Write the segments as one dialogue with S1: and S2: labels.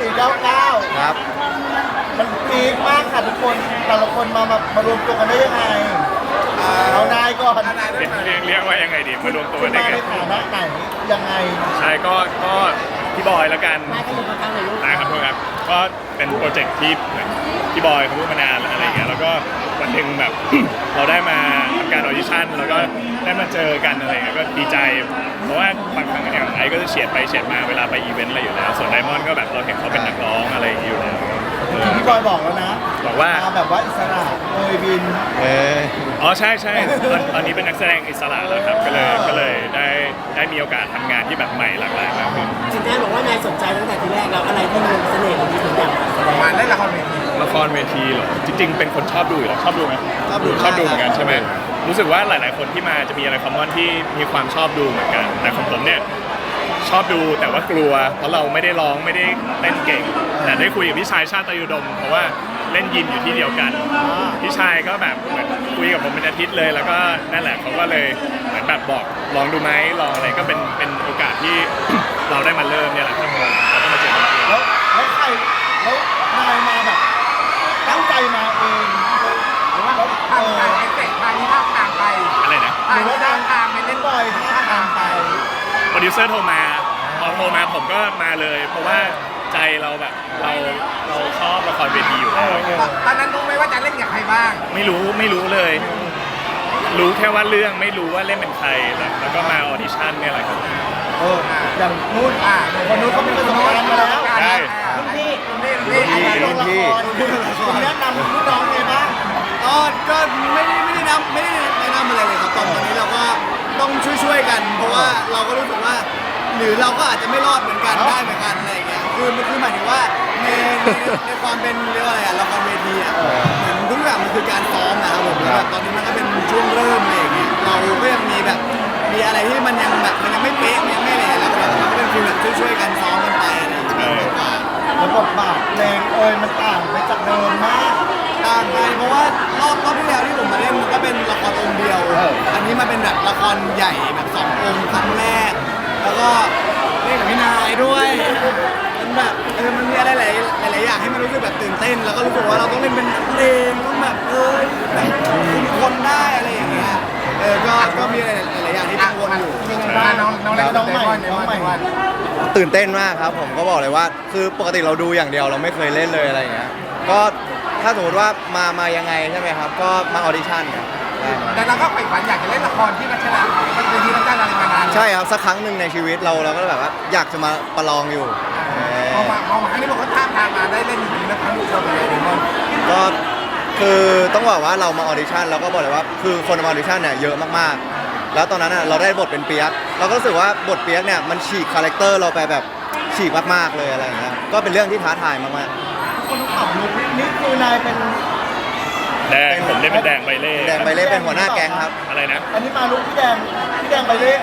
S1: 499
S2: ครับ
S1: มันพีคมากค่ะทุกคนแต่ละคนมารวมตัวกันได้ยังไงเอานายก่อน
S3: เรียกว่ายังไงดีมารวมตัว
S1: คุณ
S3: ได้
S1: มา
S3: กั
S1: ใน
S3: น
S1: ฐานะไหนยังไง
S3: ใช่ก็พี่บอยแล้วกัน
S4: มากันอยู่ข้างๆเลยลูก
S3: นะครับทุกครับก็เป็นโปรเจกต์ที่เหมือนพี่บอยเขาพูดมานานอะไรอย่างเงี้ยแล้วก็วันหนึ่งแบบ เราได้มาทำการออดิชั่นแล้วก็ได้มาเจอกันอะไรอย่างเงี้ยก็ดีใจ เพราะว่าบางครั้งอย่างไอ้ก็จะเฉียดไปเฉียดมาเวลาไปอีเวนต์อะไรอยู่แล้วส่วนไดมอนด์ก็แบบเราเห็นเขาเป็นนักร้องอะไรอย่างเงี้ยอยู่แล้ว
S1: พี่บอยบอกแล้วนะ
S3: บอกว่า
S1: มาแบบว่าอิสระโอยบิน
S2: เออ
S3: อ๋อใช่ใช่ตอนนี้เป็นนักแสดงอิสระแล้วครับก็เลยได้มีโอกาสทำงานที่แบบใหม่หลากหลายมากขึ้น
S4: จริงๆบอกว่านายสนใจตั้งแต่ทีแรกแล้วอะไรที่มันเสน่ห์ของที่ถึงอยากมาแสดง
S5: มาเล่นละครเวที
S3: ละครเวทีเหรอจริงๆเป็นคนชอบดูอยู่แล้วชอบดูไหม
S2: ชอบดู
S3: ชอบดูเหมือนกันใช่ไหมรู้สึกว่าหลาย ๆ คนที่มาจะมีอะไรคอมมอนที่มีความชอบดูเหมือนกันแต่ของผมเนี่ยชอบดูแต่ว่ากลัวเพราะเราไม่ได้ร้องไม่ได้เล่นเก่ง แต่ได้คุยกับพี่ชายชาติอุดม เพราะว่าเล่นยินอยู่ที่เดียวกันพี่ชายก็แบบเหมือนคุยกับผมเป็นอาทิตย์เลยแล้วก็นั่นแหละเขาก็เลยเหมือนแบบบอกลองดูไหมลองอะไรก็เป็นโอกาสที่ เราได้มาเริ่มเนี่ยแหละครับเราก็มาเจอกันเอง
S1: แล้วใครแล้วนายมาแบบตั้งใจมาเองหรือว่า
S5: ทางการไปเตะทางนี้ภาคกลางไป
S3: อะไรนะ
S5: ทางนี้ภาคกลางไปเล่น
S1: บอยท่าทางไป
S3: โปรดิวเซอร์โทรมาพอโทรมาผมก็มาเลย เพราะว่าใจเราแบบเราชอบละครเวทีอยู่แล้ว
S5: ตอนนั้นรู้ไหมว่าจะเล่นกับใครบ้าง
S3: ไม่รู้เลย รู้แค่ว่าเรื่องไม่รู้ว่าเล่นเป็นใครแล้วก็มาออดิชั่นเนี่ยแหละครับ
S1: อย่างนู้นคนนู้นเขามีประสบการณ์มาแล้ว
S3: ใช่
S1: รุ่นพี่
S5: นี่
S1: ลงละครคุณแนะนำรุ่นน้องไงบ้าง
S2: ก็ไม่ได้แนะนำอะไรเลยครับตอนนี้เราก็ต้องช่วยกัน เพราะว่าเราก็รู้สึกว่า หรือเราก็อาจจะไม่รอดเหมือนกันได้เหมือนกันอะไรอย่างเงี้ยคือหมายถึงว่าในความเป็นเรียกว่าอะไรอะละครเวทีอะเหมือนทุกอย่างมันคือการซ้อมนะครับผมแล้วแบบตอนนี้มันก็เป็นช่วงเริ่มอะไรอย่างเงี้ยเราก็ยังมีแบบมีอะไรที่มันยังแบบมันยังไม่เป๊ะมันยังไม่อะไรแล้วเราก็เป็นฟีลแบบช่วยๆกันซ้อมกันไปอะไรอย่างเงี้ยมากกว่า
S1: แล้วบทบาทเพลงมันต่างไปจากเดิมมาก
S2: ต่างไปเพราะว่ารอบที่แล้วที่ผมมาเล่นมันก็เป็นละครองค์เดียว อันนี้มาเป็นแบบละครใหญ่แบบ2 องค์ครั้งแรก แล้วก็เล่นกับพี่นายด้วยมันแบบมันมีอะไรหลายอย่างให้มันรู้สึกแบบตื่นเต้น แล้วก็รู้สึกว่าเราต้องเล่นเป็นเพลงต้องแบบแบบคนได้อะไรอย่างเงี้ยก็มีอะไรหลายอย่างที่กังวลอยู่
S5: น้องเล่นน้องใหม่น้องใหม่
S2: ตื่นเต้นมากครับผมก็บอกเลยว่าคือปกติเราดูอย่างเดียวเราไม่เคยเล่นเลยอะไรอย่างเงี้ยก็ถ้าสมมติว่ามายังไงใช่ไหมครับก็มาออดิชั่นครับได้ครับ
S5: แต่เราก็ใฝ่ฝันอยากจะเล่นละครที่รัชดามันเป็นที่รัชดาอะไรมานาน
S2: ใช่ครับสักครั้งหนึ่งในชีวิตเราก็แบบว่าอยากจะมาประลองอยู่
S5: พอมาครั้งนี้บอกว่าท่าทางมาได้เล่นจริงๆนะครั้งนี้เราเป็นยังไงบ้าง
S2: ก็คือต้องบอกว่าเรามาออดิชั่นเราก็บอกเลยว่าคือคนมาออดิชั่นเนี่ยเยอะมากๆ แล้วตอนนั้นเราได้บทเป็นเปียกเราก็รู้สึกว่าบทเปียกเนี่ยมันฉีกคาแรคเตอร์เราไปแบบฉีกมากๆเลยอะไรอย่างเงี้ยก็เป็นเรื่องที่ท้าทายมาก
S1: คนต้องปรับลุคนี่คือนายเป็น
S3: แดงผมเล่นเป็นแดงใบเล่
S2: ๆแดงใบเล่เป็นหัวหน้าแก๊งครับ
S3: อะไรนะ
S1: อันนี้มาลุคพี่แดงไปเลย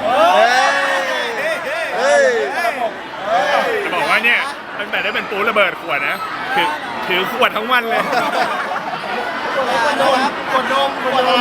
S2: เฮ้ย
S3: จะบอกว่าเนี่ยตั้งแต่ได้เป็นปูระเบิดขวดนะคือถือขวดทั้งวันเลย
S1: กดนมกดอะไร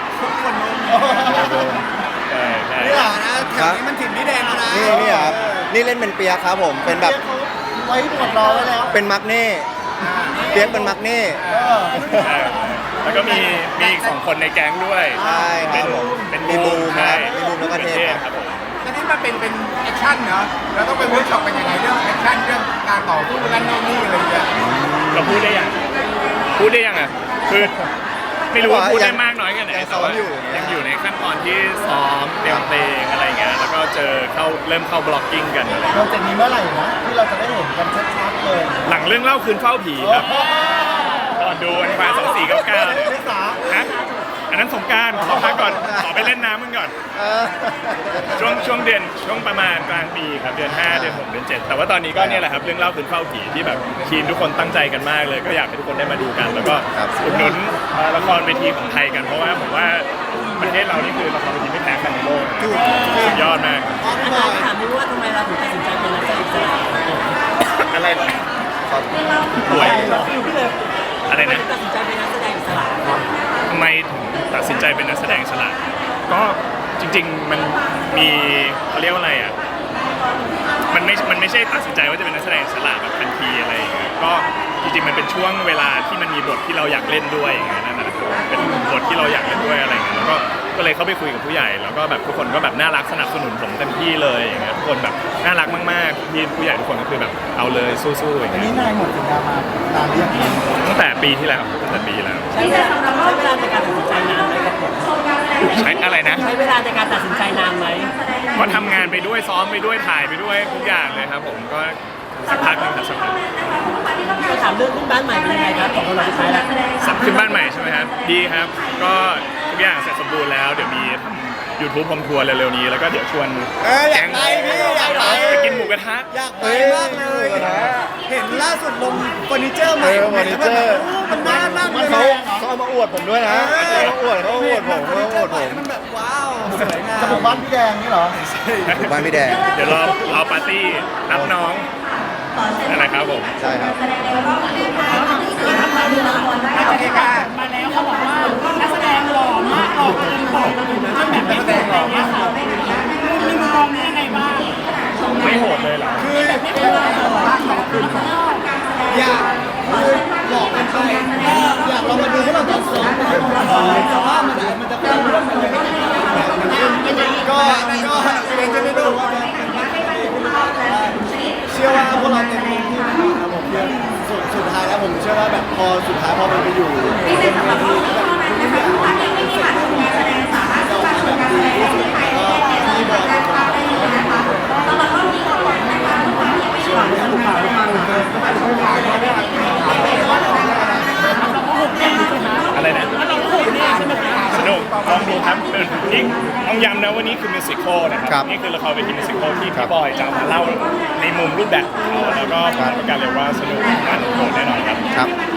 S3: ใช่ใช่
S1: นี่แหละ
S2: นะแถวนี้มันถิ่นพี่แดงแล้วนะนี่ครับนี่เล่นเป็นเปียกครับผมเป็นแบบ
S1: เขาไว้หมดรอไว้แล้ว
S2: เป็นมักเน่เปียกเป็นมักเน่
S3: ใช่แล้วก็มีอีก2 คนในแก๊งด้วย
S2: ใช่ค
S3: เป็
S2: รับ
S3: น
S2: ผม
S3: เป็น
S2: มีบูม
S3: ใช่
S2: ครับมีบูมแล้วก็เทพ
S3: ครับผม
S5: ตอนนี้มันเป็นแอคชั่นเนาะเราต้องไปเวิร์กช็อปกันยังไงเรื่องแอคชั่นเรื่องการต่อสู้นั่นโน่นนี่อะไรอย่างเงี้ย
S3: เราพูดได้ยังอ่ะคือไม่รู้ว่าพูดได้มากน้อยแค่ไหนแต่ว่ายังอยู่ในขั้นตอนที่ซ้อมเตรียมเพลงอะไรเงี้ยแล้วก็เริ่มเข้าบล็อกกิ้งกันอะไร
S1: โปรเจกต์นี้เมื่อไหร่นะที่เราจะได้เห็นกันชัดๆเลย
S3: หลังเรื่องเล่าคืนเฝ้าผีครับก่อนดูวันฟ้า2499เนี่ย
S1: เมษา
S3: ฮะอันนั้นสงกรารขอพักก่อนขอไปเล่นน้ำมันก่อน ช่วงประมาณกลางปีครับเดือน 5 เดือน 6 เดือน 7 แต่ว่าตอนนี้ก็เนี่ยแหละครับเรื่องเล่าคืนเฝ้าผีที่แบบทีมทุกคนตั้งใจกันมากเลย ก็อยากให้ทุกคนได้มาดูกัน แล้วก็อุดหนุนละครเวทีของไทยกันเพราะว่าผมว่าประเทศเรานี่คือละครเวทีไม่แพ้กันในโลกนะสุดยอดมาก
S4: อาจารย์ถามดูว่าทำไมเราถึงตัดสินใจเป็นนักแสดงอิสระ
S3: อะไรเหรอป่วย
S4: อยู่พี่เลย
S3: อะไรนะ
S4: ตัดสินใจเป็นนักแสดงอิสระ
S3: ทำไมถึงตัดสินใจเป็นนักแสดงอิสระก็จริงๆมันมีเขาเรียกว่าอะไรอ่ะมันไม่ใช่ตัดสินใจว่าจะเป็นนักแสดงอิสระแบบทันทีอะไรอย่างเงี้ยก็จริงๆมันเป็นช่วงเวลาที่มันมีบทที่เราอยากเล่นด้วยอย่างเงี้ยนั่นแหละเป็นบทที่เราอยากเล่นด้วยอะไรอย่างเงี้ยแล้วก็เลยเข้าไปคุยกับผู้ใหญ่แล้วก็แบบทุกคนก็แบบน่ารักสนับสนุนผมเต็มที่เลยอย่างเงี้ยทุกคนแบบน่ารักมากๆพี่ผู้ใหญ่ทุกคนก็คือแบบเอาเลยสู้ๆอย่าง
S1: อัน
S3: เงี้
S1: นี้
S3: ย
S1: นายหมดสัญญามานานหรือยัง
S3: ตั้งแต่ปีที่แล้วตั้งแต่ปีที่แล้ว
S4: ใช้เวลาในการตัดสินใจนานไหมครับผม
S3: ใช้อะไรนะ
S4: ใช้เวลาในการตัดสินใจนานไหม
S3: ก็ทำงานไปด้วยซ้อมไปด้วยถ่ายไปด้วยทุกอย่างเลยครับผมก็สักพักหนึงครับสักพัก
S4: ก็ถามเรื่องขึ้นบ้านใหม่เป็นยังไงครับของเราสุดท้ายแล้ว
S3: ขึ้นบ้านใหม่ใช่ไหมครับดีครับก็ทุกอย่างเสร็จสมบูรณ์แล้วเดี๋ยวมีทำ YouTube พรมทัวร์เร็วๆนี้แล้วก็เดี๋ยวชวน
S2: อยากไปพี่อยากไป
S3: ไปกินหมูกระทะ
S2: อยากไปมากเลย เห็นล่าสุดลงเฟอร์นิเจอร์ใหม่
S1: เฟอร์นิเจอร์
S2: มันน่านั่งเลย
S1: เขาเอามาอวดผมด้วยนะเขาอวดผม
S2: มันแบบว้าวสวยงาม
S1: จะบุกบ้านพี่แดงนี่เหรอ
S6: หมู่บ้านพี่แดง
S3: เดี๋ยวรอปาร์ตี้รับน้องนั่นแหละครับผม
S6: ใช่ครับ
S5: โอเคค่ะ
S7: มาแล้วเขาบอกว่านักแสดงหล่อมากหล่อเกินบอกจนแบบนักแสดงหล่อมากค่ะมีมุมมองนี้ยังไงบ้าง
S3: ไม่โหดเลยเหรอ
S2: คืออยากคือหลอกกันไปอยากลองมาดูพวกเราตอนซ้อมแต่ว่ามันจะเป็นเรื่องมันเลยก็เป็นจะได้ดูว่าเชื่อว่าพวกเราเต็มที่นะครับผมสุดท้ายแล้วผมเชื่อว่าแบบพอสุดท้ายพอมันไปอยู่ที่แบบทุกอย่างมันเสร็จแล้วเราแบบดีที่สุดก็ที่บอยเป็นคนเชื่อว่า
S3: อะไรนะสนุกลองดูครับนี่ต้องย้ำนะว่านี่คือมิวสิควลนะค
S6: ครั
S3: รับ นี่คือละครเวทีมิวสิควลที่พี่บอยจะมาเล่าในมุมรูปแบบของเขาแล้วก็ผมประกันเลยว่าสนุกมันโหดแน่นอนครับ
S6: ครับ